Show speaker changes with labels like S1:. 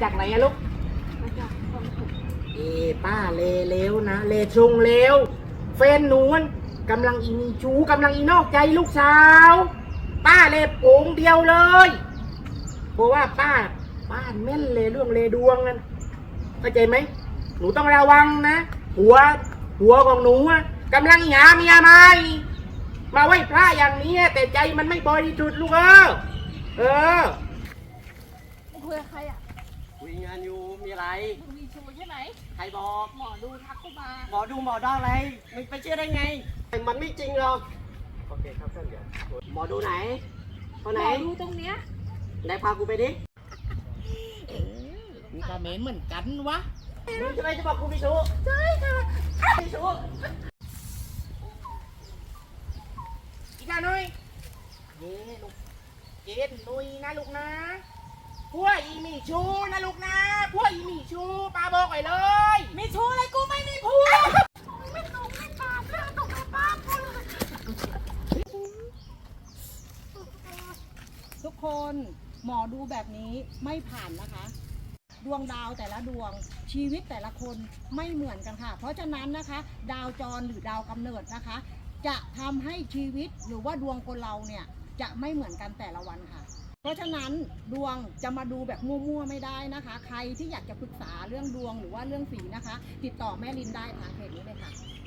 S1: จากไหนอะลูก
S2: มาจากคลองขุด
S1: ป้าเลวนะเลชงเลวแฟนหนูมันกำลังอีมีชู้กำลังอีนอกใจลูกสาวป้าเลโผงเดียวเลยเพราะว่าป้าแม่นเลยเรื่องเลดวงนั่นเข้าใจไหมหนูต้องระวังนะหัวของหนูอะกำลังหาเมียใหม่มาไหว้พระอย่างนี้แต่ใจมันไม่บริสุทธิ์ลูกเออ
S2: มึงคุยกับใครอ่ะ
S3: คุยงานอยู่มีอะไร
S2: มึงมีชูใช่ไหม
S3: ใครบอก
S2: หมอดูทักกูมา
S3: หมอดูหมอดออะไรมึงไปเชื่อได้ไงมันไม่จริงหรอกโอเคครับท่านเดี๋ยวหมอดูไหนคน
S2: ห
S3: ไห
S2: ม
S3: น
S2: อดูตรงเนี้ย
S3: ไหนพากูไปดิ
S1: มีคอมเมนต์เหมือนกันวะ
S3: มึงจะไปจะบอกกูมีชู้ใช่ค่ะมีชู้
S1: อีกาหน่อยลูกเกดหนุยนะลูกนะพวกอีมีชูนะลูกนะพวกอีมีชูป้าบอกไว้เลยมีชูอะไรกูไม่มีผัว
S4: ทุกคนหมอดูแบบนี้ไม่ผ่านนะคะ ดวงดาวแต่ละดวงชีวิตแต่ละคนไม่เหมือนกันค่ะ เพราะฉะนั้นนะคะ ดาวจรหรือดาวกำเนิดนะคะ จะทำให้ชีวิตหรือว่าดวงคนเราเนี่ยจะไม่เหมือนกันแต่ละวันค่ะ เพราะฉะนั้นดวงจะมาดูแบบมั่วๆไม่ได้นะคะ ใครที่อยากจะปรึกษาเรื่องดวงหรือว่าเรื่องสีนะคะ ติดต่อแม่ลินได้ทางเพจนี้เลยค่ะ